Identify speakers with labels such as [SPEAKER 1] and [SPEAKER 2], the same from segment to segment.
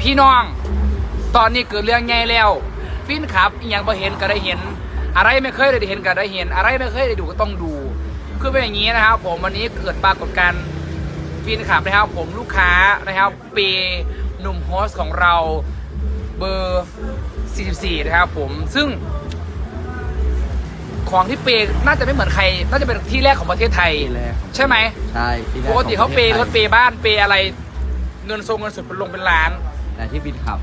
[SPEAKER 1] พี่น้องตอนนี้เกิดเรื่องใหญ่แล้วฟินครับอย่างพอเห็นก็ได้เห็นอะไรไม่เคยได้เห็นก็ได้เห็นอะไรไม่เคยได้ดูก็ต้องดูคือเป็นอย่างนี้นะครับผมวันนี้เกิดปรากฏการณ์ฟินครับนะครับผมลูกค้านะครับเปหนุ่มโฮสของเราเบอร์ 44 นะครับผมซึ่งของที่เปน่าจะไม่เหมือนใครน่าจะเป็นที่แรกของประเทศไทยใช่ไหม
[SPEAKER 2] ใช่
[SPEAKER 1] ปกติเขาเปรถเปบ้านเปอะไรเงินทรงเงินสดเป็นลงเป็นล้าน
[SPEAKER 2] แต่ที่ฟินขับ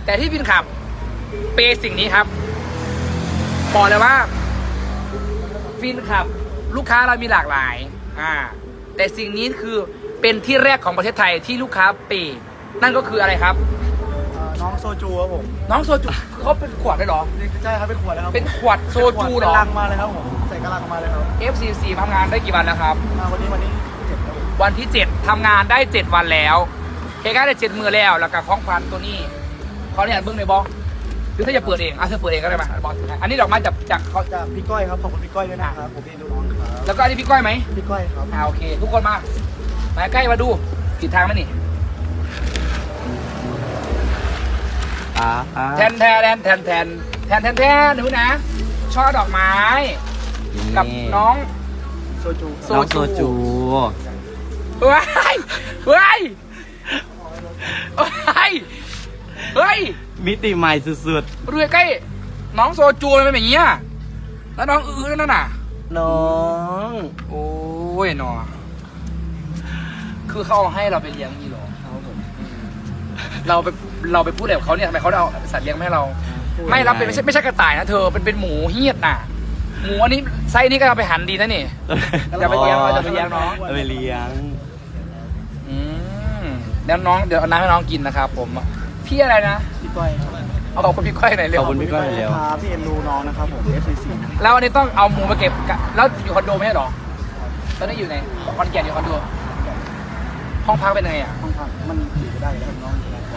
[SPEAKER 1] เปสิ่งนี้ครับบอกเลยว่าฟินขับลูกค้าเรามีหลากหลายแต่สิ่งนี้คือเป็นที่แรกของประเทศไทยที่ลูกค้าเปนั่นก็คืออะไรครับ
[SPEAKER 3] น้องโซจูครับผม
[SPEAKER 1] น้องโซจูเขาเป็นขวดได้หรอ
[SPEAKER 3] ใช่ครับเป็นขวดเลยครับ
[SPEAKER 1] เป็นขวดโซจูหรอ
[SPEAKER 3] เป็นลังมาเลยครับผมใส่กระลังมาเลยครับ
[SPEAKER 1] F44 ทำงานได้กี่วันแล้วครับ
[SPEAKER 3] วันที่7ครับ
[SPEAKER 1] วันที่7ทำงานได้7วันแล้วเฮก้าได้7 มือแล้วแล้วกับของพันตัวนี้เขาเนี่ยเบิ้งในบอหรือถ้าจะเปิดเองเธอเปิดเองก็ได้มาบอกอันนี้ดอกไม้จากเขา
[SPEAKER 3] จากพี่ก้อยครับขอบคุณพี่ก้อยด้วยนะครับผมเองดูน้องครับ
[SPEAKER 1] แล้วก็อันนี้พี่ก้อยไหม
[SPEAKER 3] พี่ก้อยครับ
[SPEAKER 1] โอเคทุกคนมาใกล้มาดูผิดทางไหมนี่แทนดูนะช่อดอกไม้กับน้อง
[SPEAKER 3] โซจู
[SPEAKER 1] เฮ้ย
[SPEAKER 2] มิติใหม่สุด
[SPEAKER 1] ๆดูใกล้น้องโซจูมันเป็นอย่างนี้แล้วน้องนั่นน่ะ
[SPEAKER 2] น้อง
[SPEAKER 1] โอ้ยน้องคือเขาเอาให้เราไปเลี้ยงนี่หรอเราไปพูดแบบเขาเนี่ยทำไมเขาเอาสัตว์เลี้ยงให้เราไม่รับเป็นไม่ใช่กระต่ายนะเธอเป็นหมูเฮี้ยนน่ะหมูอันนี้ไซส์นี้ก็เอาไปหั่นดีนะนี่จะไปเลี้ยงน้อง
[SPEAKER 2] ไปเลี้ยง
[SPEAKER 1] แล้วน้องเดี๋ยวเอาน้ำให้น้องกินนะครับผมพี่อะไรนะ
[SPEAKER 3] พี่ก้อย
[SPEAKER 1] เอาขอบคุณพี่ก้อยหน่อยเร็ว
[SPEAKER 2] ขอบคุณพี่ก้อยเร็ว
[SPEAKER 3] พี่เอ็นดูน้องนะครับผม F44
[SPEAKER 1] แล้วอันนี้ต้องเอาหมูมาเก็บแล้วอยู่คอนโดไม่ใช่หรอตอนนี้อยู่ไหนคอนแก่นอยู่คอนโดห้องพักเป็นไง
[SPEAKER 3] ห้องพักมันอยู่ได้แล้วน้อง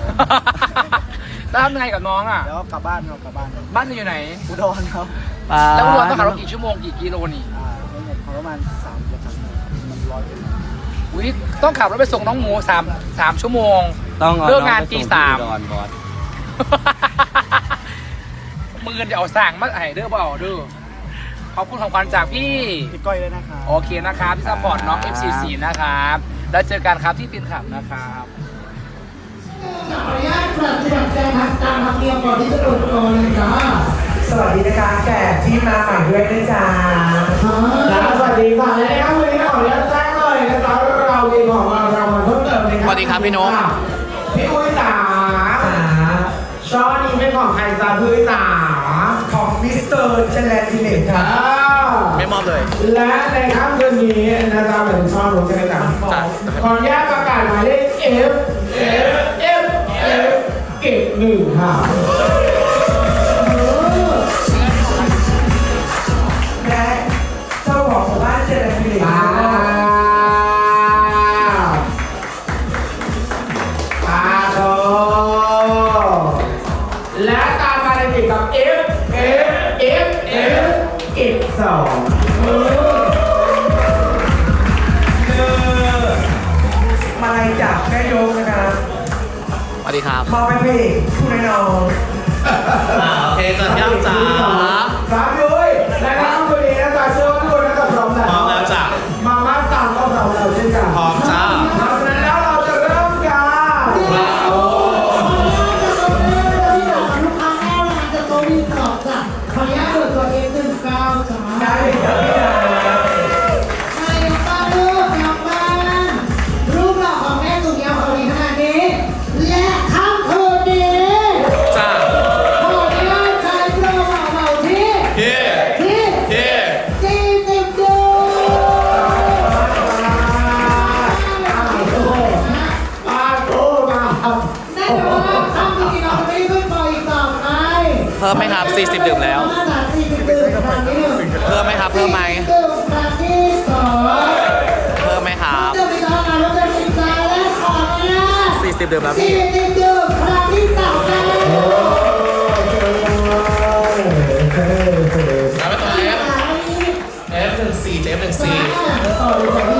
[SPEAKER 1] แล้วทำยังไงกับน้อง
[SPEAKER 3] แล้วกลับบ้าน
[SPEAKER 1] บ้านอยู่ไหน
[SPEAKER 3] อุดรครับ
[SPEAKER 1] แล้วอุดรต้องขับรถกี่ชั่วโมงกี่กิโลนี่
[SPEAKER 3] ประมาณ3 กิโลมัน100 กิโล
[SPEAKER 1] ต้องขับรถไปส่งน้องหมู3 ชั่วโมง
[SPEAKER 2] ต้อง
[SPEAKER 1] เลิกงานตี 3มือจะเอาสั่งมาให้เด้อเปล่าเด้อขอบคุณของขวัญจากพี่
[SPEAKER 3] ก้อยเลยนะครับ
[SPEAKER 1] โอเคนะครับที่ซัพพอร์ตน้อง F44 นะครับแล้วเจอกันครับที่ฟินขับนะครับ
[SPEAKER 4] ขออนุญาตปฏิบัติการตามธรรมเนียมก่อนที่จะเปิดกองเลยจ้าสวัสดีนะคะแขกที่มาใหม่ด้วยนะจ๊ะสวัสดีค่ะและนะครับวันนี้ขออนุญาตแจ้งเลยนะครับเรามีของเรามาเพิ่มเติมนะครับ
[SPEAKER 1] สวัสดีครับพี่นก
[SPEAKER 4] พี่อุ้ยจ๋าช่อนี้เป็นของใครจ้าพี่อุ้ยจ๋าของมิสเตอร์เชลเลนติเนตค่ะ
[SPEAKER 1] ไม่มอบเลย
[SPEAKER 4] และในค่ำคืนนี้นะจ๊ะเป็นช่อหนูจะไปจับขออนุญาตประกาศหมายเลข F เก็บ1ค่ะและเจ้าของบ้านเจริญผลิตโตและตามมาในติดกับ F เก็บ2มาลัยจากแม่ยกนะครับ
[SPEAKER 1] สวัสดีครับ
[SPEAKER 4] มาเป็นพี่ผู้น้อยน้อง
[SPEAKER 1] โอเคเกิดย่ำจ๋า
[SPEAKER 4] สามยุ้ยและน้ำตัวนี้นะจ๊ะเชื่อว่าทุกคนจะพร้อม
[SPEAKER 1] แล้วจ้ะ
[SPEAKER 4] มาม่าสั่งก็พร้อมแล้วเช่นกัน
[SPEAKER 1] พร้อมจ้า
[SPEAKER 4] เพราะฉะนั้นแล้วเราจะเริ่มกัน
[SPEAKER 5] ลูกค้าแรกนะคะจะโตมีกรอบจ้ะขออนุญาตเปิดตัว F19 จ้ะ
[SPEAKER 4] ได้ครับพี่ดา
[SPEAKER 5] ใครยกบ้านลูกยกบ้านรูปหล่อของแม่สุดยาวของดีขนาดนี้และค่ำคืนนี้
[SPEAKER 1] จ้า
[SPEAKER 5] ขออนุญาตใช้โปรเหมาที่40 ดูแน่นอนว่าค่ำคืนนี้เราไม่ขึ้นปล่อยอีกต่อไป
[SPEAKER 1] เพิ่มไหมครับ40 ดื่มแล้วเพิ่มไหมครับเพิ่มไหม
[SPEAKER 5] ดื่มครั้งที่2
[SPEAKER 1] เพิ่มไหมครับ
[SPEAKER 5] ดื่มอีกแล้วนะรถจะติดใจและขออนุญาต
[SPEAKER 1] 40 ดื่มแล้วพี่
[SPEAKER 5] 40 ดื่มครั้งที่3แล้ว
[SPEAKER 1] แล้วไปตัว F14 F14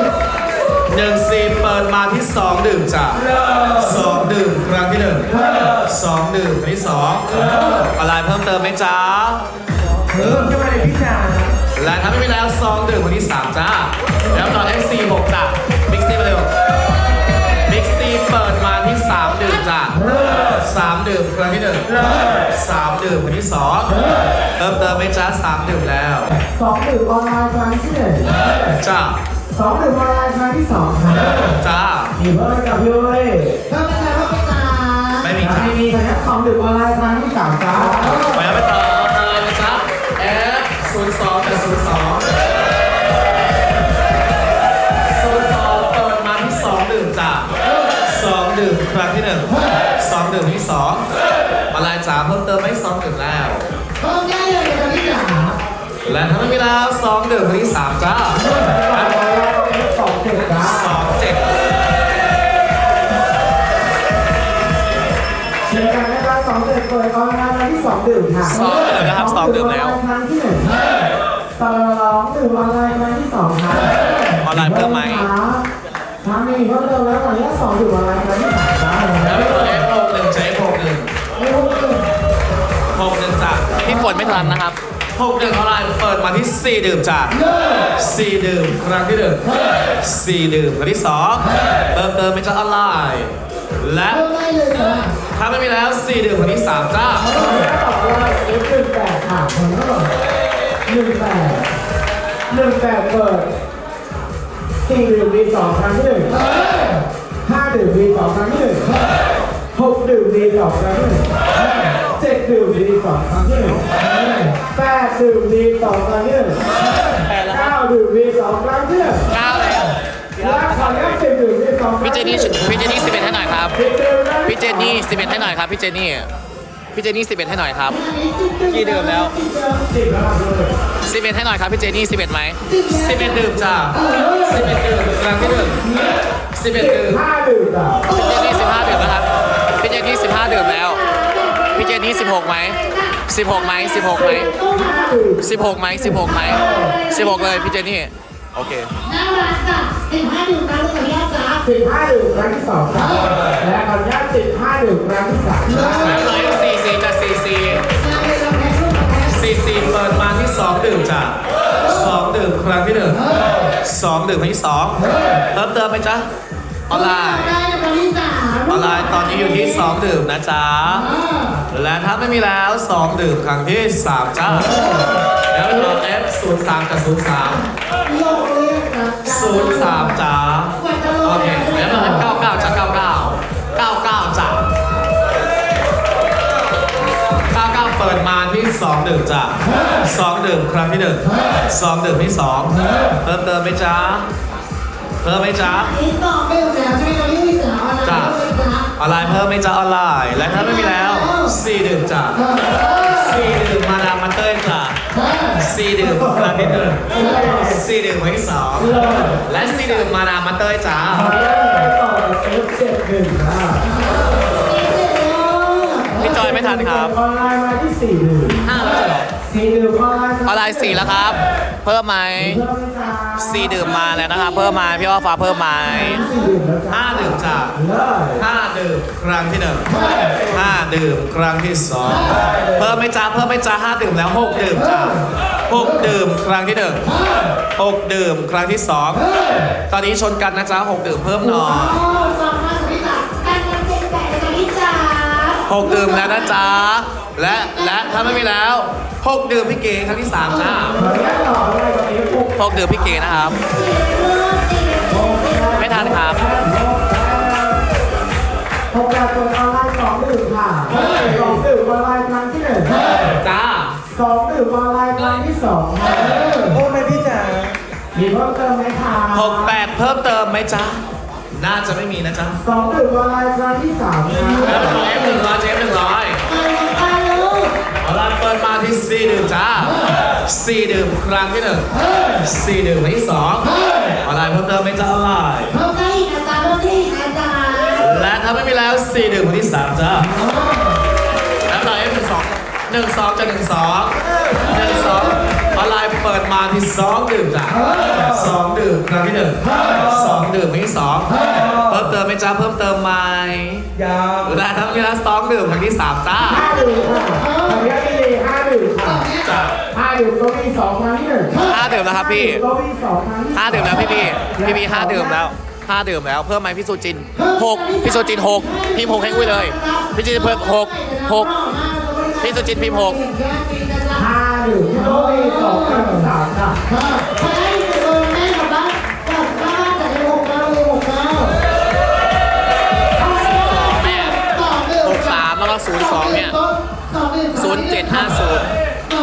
[SPEAKER 1] 14เปิดมาที่2 ดื่มจ้ะ2 ดื่มครั้งที่1
[SPEAKER 6] 2 ดื่มคนที่2ออนไลน์เพิ่มเติมไหมจ๊ะ
[SPEAKER 4] เพิ่มขึ้นมาเลยพี่จ๋า
[SPEAKER 6] และถ้าไม่มีแล้ว2ดื่มคนที่3จ้าแล้วต่อ FC 6จ้ะบิ๊กซีมาเร็วบิ๊กซีเปิดมาที่3ดื่มจ้ะ3ดื่มครั้งที่1 3ดื่มคนที่2เพิ่มเติมไหมจ๊ะ3ดื่มแล้ว
[SPEAKER 4] 2 ดื่มออนไลน์ครั้งที่1
[SPEAKER 6] จ้า
[SPEAKER 4] 2 ดื่มออนไลน์ครั้งที่2ครับ
[SPEAKER 6] จ้า
[SPEAKER 4] มีเพิ่มกับพี่เว้ย
[SPEAKER 5] เพิ่มกันแล้วเพิ่มกัน
[SPEAKER 6] ไม่มีจ้า
[SPEAKER 4] มีนะครับ2 ดื่มออนไลน์ครั้งที่3ครับ
[SPEAKER 6] ไปแล้วไปต่อเลยนะจ๊ะ F02 กับ02 02เปิดมาที่2ดื่มจ้ะ2ดื่มครั้งที่1 2ดื่มที่2ออนไลน์จ๋าเพิ่มเติมไม่2ดื่มแล้ว
[SPEAKER 5] เพิ่มได้เลยค่ะพี่จ๋า
[SPEAKER 6] และถ้าไม่มีแล้ว2ดื่มที่3จ้า
[SPEAKER 4] 2 ดื่มครับ
[SPEAKER 6] 2 7
[SPEAKER 4] เชียร์กันนะครับ2 ดื่มเปิดออนไลน์ครั้งที่2 ดื่มค่ะ
[SPEAKER 6] 2ดื่มนะครับ2ดื่มแล้ว
[SPEAKER 4] ครั้งที่1 2 ดื่มออนไลน์ครั้งที่2ครับ
[SPEAKER 6] ออนไลน์เพิ่มไหม
[SPEAKER 4] ทำมีเพิ่มเติมแล้วตอนนี้2 ดื่มออนไลน์ครั้งที่3ครับ
[SPEAKER 6] แล้วไปต่อ F61 ใช้ 61จ้ะ
[SPEAKER 2] พี่ฝนไม่ทันนะครับ
[SPEAKER 6] 61ออนไลน์เปิดมาที่4ดื่มจ้ะ4ดื่มครั้งที่1 4ดื่มครั้งที่2เติมเติมเป็นจ้าออนไลน์และ
[SPEAKER 5] เพิ่มได้เลยค่ะ
[SPEAKER 6] ถ้าไม่มีแล้ว4ดื่มครั้งที่3จ้า
[SPEAKER 4] ตอนนี้ต่อว่า18ค่ะผมก็18เปิด4 ดื่มมี2ครั้งที่1 5 ดื่มมี2ครั้งที่1 6 ดื่มมี2ครั้งที่1 7 ดื่มมี2ครั้งที่1 8 ดื่มมี2ครั้งที่1 9 ดื่มมี2ครั้งที่1
[SPEAKER 2] 9 แล้ว
[SPEAKER 4] และขออนุญาต10 ดื่มมี2ครั้ง
[SPEAKER 2] พี่เจนนี่11ให้หน่อยครับ พี่เจนนี่11ให้หน่อยครับ พี่เจนนี่11ให้หน่อยครับ กี่ดื่มแล้ว
[SPEAKER 4] 10แล้วครับเลย
[SPEAKER 2] 11ให้หน่อยครับ พี่เจนนี่11ไหม
[SPEAKER 6] 11ดื่มจ้า11ดื่มครั้งที่1 11ดื่ม
[SPEAKER 4] 5 ดื่มอ่ะ
[SPEAKER 2] พี่เจนนี่15ดื่มแล้วครับ พี่เจนนี่15ดื่มแล้ว พี่เจนนี่16ไหม16ไหม16ไหม16ไหม16ไหม16เลยพี่เจนนี่ โอเค
[SPEAKER 5] น่ารักจ้ะ15ดื่มครั้งที่2จ้า
[SPEAKER 4] 15 ดื่มครั้งที่2ครับและขออนุญาต15 ดื่มครั้งที่3
[SPEAKER 6] แล้วต่อ F44 จ้ะ 44
[SPEAKER 5] มาเลยเราแพ้ลูกมาแพ้
[SPEAKER 6] 44เปิดมาที่2ดื่มจ้ะ2ดื่มครั้งที่1 2ดื่มครั้งที่2เพิ่มเติมไหมจ๊ะออนไลน์
[SPEAKER 5] ได้เลยค่ะพี่จ๋า
[SPEAKER 6] ออนไลน์ตอนนี้อยู่ที่2ดื่มนะจ๊ะและถ้าไม่มีแล้ว2ดื่มครั้งที่3จ้าแล้วต่อ F03 กับ 03
[SPEAKER 5] โลกเรียกนะ
[SPEAKER 6] 03จ้าโอเคแล้วต่อ F99 จ้ะ99จ้ะ99เปิดมาที่2ดื่มจ้ะ2ดื่มครั้งที่1 2ดื่มที่2เพิ่มเติมไหมจ๊ะเพิ่มไหมจ๊ะ
[SPEAKER 5] นี่ต่อไม่หมดแล้วใช่ไหมคะพี่จ๋าออนไลน์ด้วยจ้า
[SPEAKER 6] ออนไลน์เพิ่มไหมจ๊ะออนไลน์และถ้าไม่มีแล้ว4ดื่มจ้ะ4ดื่มมาดามมาเต้ยจ้ะ4ดื่มครั้งที่1 4ดื่มครั้งที่2และ4ดื่มมาดามมาเต้ยจ้ะ
[SPEAKER 4] ต่อ F7 1ครับ
[SPEAKER 2] พี่จอยไม่ทันครับ
[SPEAKER 4] ออนไลน์มาที่4 ดื่ม
[SPEAKER 2] 5แล้วเหรอ
[SPEAKER 4] 4 ดื่มออนไลน์
[SPEAKER 2] ออนไลน์4แล้วครับ เพิ่มไหม
[SPEAKER 4] เพิ่มไหมจ๊ะ
[SPEAKER 2] 4 ดื่มมาแล้วนะครับ เพิ่มมาพี่ว่าฟ้าเพิ่มไหม
[SPEAKER 4] 4 ดื่มแล้วจ้ะ
[SPEAKER 6] 5ดื่มจ้ะ
[SPEAKER 4] เลย
[SPEAKER 6] 5ดื่มครั้งที่1 5ดื่มครั้งที่2เพิ่มไหมจ๊ะ5ดื่มแล้ว6ดื่มจ้ะ6ดื่มครั้งที่1 6ดื่มครั้งที่2ตอนนี้ชนกันนะจ๊ะ6ดื่มเพิ่มหน่อย
[SPEAKER 5] ฟังมากพี่จ๋าการงานเจ็บแต่เลยพี่จ๋า
[SPEAKER 6] 6ดื่มแล้วนะจ๊ะและถ้าไม่มีแล้ว6ดื่มพี่เก๋ครั้งที่3จ้า
[SPEAKER 4] ขออนุญาตต่อเลยตอนนี้6
[SPEAKER 2] 6 ดื่มพี่เก๋นะครับ ไม่ทันครับ
[SPEAKER 4] 6การเปิดออนไลน์2 ดื่มค่ะ2 ดื่มออนไลน์ครั้งที่1
[SPEAKER 6] จ้า
[SPEAKER 4] 2 ดื่มออนไลน์ครั้งที่2ครับโอ้ไม่พี่จ๋ามีเพิ่มเติมไหมคะ
[SPEAKER 6] 68เพิ่มเติมไหมจ๊ะน่าจะไม่มีนะจ๊ะ
[SPEAKER 4] 2 ดื่มออนไลน์ครั้งที่3ครับ
[SPEAKER 6] แล้วต่อ F100 เจฟ100
[SPEAKER 5] ไปลูก
[SPEAKER 6] เอาล่ะเปิดมาที่4ดื่มจ้า4ดื่มครั้งที่1 4ดื่มครั้งที่2ออนไลน์เพิ่มเติมไหมจ๊ะออนไลน์
[SPEAKER 5] เพิ่มได้อีกนะจ๊ะเพิ่มได้อีกนะจ๊ะ
[SPEAKER 6] และถ้าไม่มีแล้ว4ดื่มครั้งที่3จ้าแล้วต่อ F12 12จะ12 12อออนไลน์เปิดมาที่2ดื่มจ้ะ2ดื่มครั้งที่1 2ดื่มครั้งที่2เพิ่มเติมไหมจ้าเพิ่มเติมไหม
[SPEAKER 4] ยัง
[SPEAKER 6] ได้ทั้งนี้แล้ว2ดื่มครั้งที่3จ้า
[SPEAKER 4] 5 ดื่มค่ะทำยาดี5 ดื่มค่ะ
[SPEAKER 6] จ้ะ
[SPEAKER 4] 5 ดื่มก็มี2ครั้งที่1
[SPEAKER 2] 5 ดื่มแล้วครับพี่
[SPEAKER 4] ก็มี2ครั้งที่
[SPEAKER 2] 5 ดื่มแล้วพี่5 ดื่มแล้ว5 ดื่มแล้วเพิ่มไหมพี่สุจิน6พี่สุจิน6พิมพ์6ให้อุ้ยเลยพี่สุจินเพิ่ม6พี่สุจินพิมพ์6
[SPEAKER 4] 5 ดื่มก็มี2ครั้งที่3ค่ะ
[SPEAKER 5] ใช้เงินแม่กับบ้านกับบ้านจากใน6 9เลย6 9
[SPEAKER 2] แม่63แล้วก็02เนี่ย0750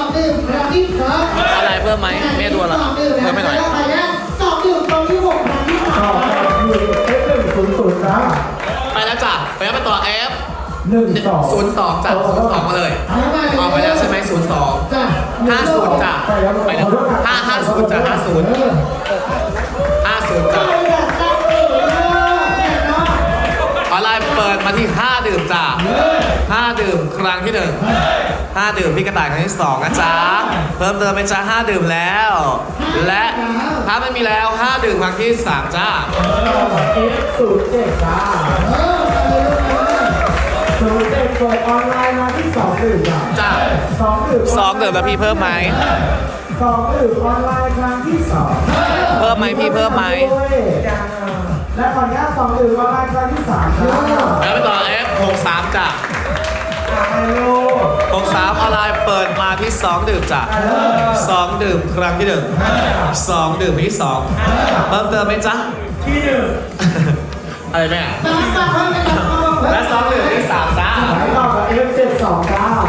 [SPEAKER 2] อะไรเพิ่มไหมแม่ดูอะไรเพิ่มไม่หน่อย
[SPEAKER 5] 2 ดื่มตรงที่6ครั้งที่
[SPEAKER 4] ต่อไปคือ F100 จ้า
[SPEAKER 6] ไปแล้วจ้ะไปแล้วไปต่อ F
[SPEAKER 4] 1 2
[SPEAKER 6] 02จ้ะ02มาเลยออกไปแล้วใช่ไหม02 50จ้ะไปแล้ว550จ้ะ50 50จ้ะออนไลน์เปิดมาที่5ดื่มจ้ะ5ดื่มครั้งที่1 5ดื่มพี่กระต่ายครั้งที่2นะจ๊ะเพิ่มเติมเป็นจ้ะ5ดื่มแล้ว และถ้าไม่มีแล้ว5ดื่มครั้งที่3จ้า
[SPEAKER 4] F07 จ้า07เปิดออนไลน์มาที่2 ดื่มจ้า
[SPEAKER 6] จ้า
[SPEAKER 4] 2 ดื่ม
[SPEAKER 2] 2 ดื่มแล้วพี่เพิ่มไหม
[SPEAKER 4] 2 ดื่มออนไลน์ครั้งที่2
[SPEAKER 2] เพิ่มไหมพี่เพิ่มไหม
[SPEAKER 4] และขออนุญาต2 ดื่มออนไลน์ครั้งที่3จ้า
[SPEAKER 6] แล้วไปต่อ F63 จ้ะ
[SPEAKER 4] ไอโล
[SPEAKER 6] 63ออนไลน์เปิดมาที่2ดื่มจ้ะ2ดื่มครั้งที่1 2ดื่มที่2เพิ่มเติมไหมจ๊ะ
[SPEAKER 4] ที่
[SPEAKER 6] อะไรแม่และ2ดื่มที่3จ้า
[SPEAKER 4] 1ไหลต่อกับ F72 จ้า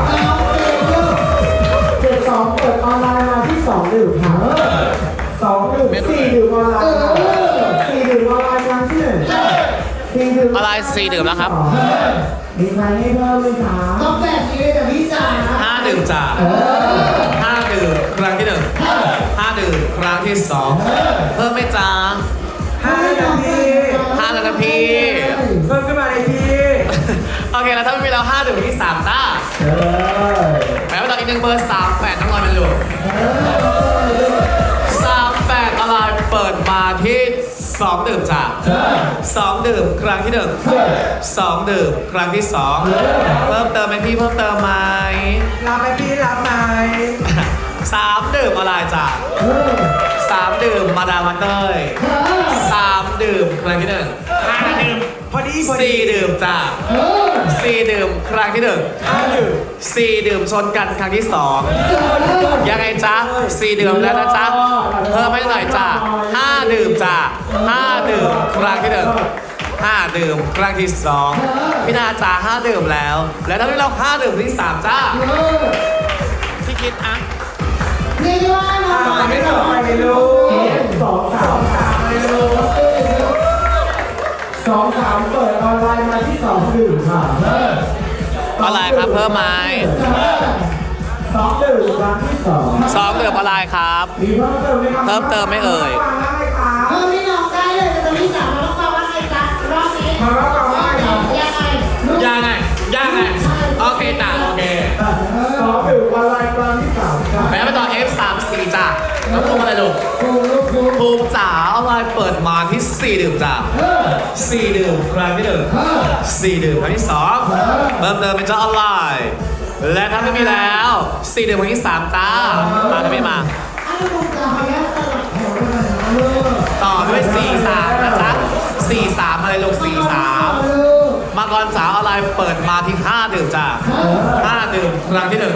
[SPEAKER 4] 72เปิดออนไลน์มาที่2 ดื่มค่ะ2 ดื่ม4 ดื่มออนไลน์4 ดื่มออนไลน์ครั้งที่1 4 ดื่ม
[SPEAKER 2] ออนไลน์4 ดื่มแล้วครับ
[SPEAKER 4] มีใครให้เพิ่มไหมคะ
[SPEAKER 5] ต้องแบบนี้เลยแต่พี่จ๋า
[SPEAKER 6] 5ดื่มจ้ะ5ดื่มครั้งที่1 5ดื่มครั้งที่2เพิ่มไหมจ๊ะ
[SPEAKER 4] 5 นาที
[SPEAKER 6] 5แล้วนะพี่
[SPEAKER 4] เพิ่มขึ้นมาเลยพี่
[SPEAKER 6] โอเคแล้วถ้าไม่มีแล้ว5ดื่มที่3จ้าแม้ว่าตอนอีก1เบอร์38ต้องรอมันอยู่38ออนไลน์เปิดมาที่2ดื่มจ้ะ2ดื่มครั้งที่1 2ดื่มครั้งที่2เพิ่มเติมไหมพี่เพิ่มเติมไหม
[SPEAKER 4] รับไหมพี่รับไหม
[SPEAKER 6] 3ดื่มออนไลน์จ้ะ3ดื่มมาดามวันเต้ย3ดื่มครั้งที่1
[SPEAKER 4] 5 ดื่มพอดี
[SPEAKER 6] 4ดื่มจ้ะ4ดื่มครั้งที่1
[SPEAKER 4] 5 ดื่ม
[SPEAKER 6] 4ดื่มชนกันครั้งที่2ยังไงจ๊ะ4ดื่มแล้วนะจ๊ะเพิ่มให้หน่อยจ้ะ5ดื่มจ้ะ5ดื่มครั้งที่1 5ดื่มครั้งที่2พี่นาจ้า5ดื่มแล้ว แล้วถ้าไม่เรา5ดื่มที่3จ้าพี่คิดอ่ะ
[SPEAKER 5] เรียกว่าน้อง
[SPEAKER 4] ไม่ต่อไปเลยลูก2 3เลยลูก2 3เปิดออนไลน์มาที่2 ดื่มค่ะ
[SPEAKER 2] ออนไลน์ครับเพิ่มไหม
[SPEAKER 4] 2 ดื่มครั้งที่2
[SPEAKER 2] 2 ดื่มออนไลน์ครับ
[SPEAKER 4] มีเพิ่มเติมไหมครับ
[SPEAKER 2] เพิ่มเติมไหมเอ่ย
[SPEAKER 5] เพิ่มให้น้องได้เลยแต่พี่จ๋ามาต้องฟังว่าไงจ๊ะรอบนี้
[SPEAKER 4] มาแล้วกันว่าครับ
[SPEAKER 5] ยังไง
[SPEAKER 6] ยังไงโอเคจ้ะโอเค
[SPEAKER 4] 2 ดื่มออนไลน์ครั้งที่3ค่ะ
[SPEAKER 6] ไปไปต่อ F34 จ้ะน้องภูมิอะไรลูก
[SPEAKER 5] ภูมิ
[SPEAKER 6] ภูมิจ๋าออนไลน์เปิดมาที่4ดื่มจ้ะ4ดื่มครั้งที่1 4ดื่มครั้งที่2เพิ่มเติมเป็นจ้าออนไลน์ และถ้าไม่มีแล้ว4ดื่มครั้งที่3จ้ามาไม่มา
[SPEAKER 5] อันนี้ภูมิจ๋าขออนุญาตสลับแถวกันหน่อยนะลูก
[SPEAKER 6] ต่อด้วย 43 นะจ๊ะ 43 อะไรลูก 43 มังกรสาวออนไลน์เปิดมาที่5ดื่มจ้า5ดื่มครั้งที่1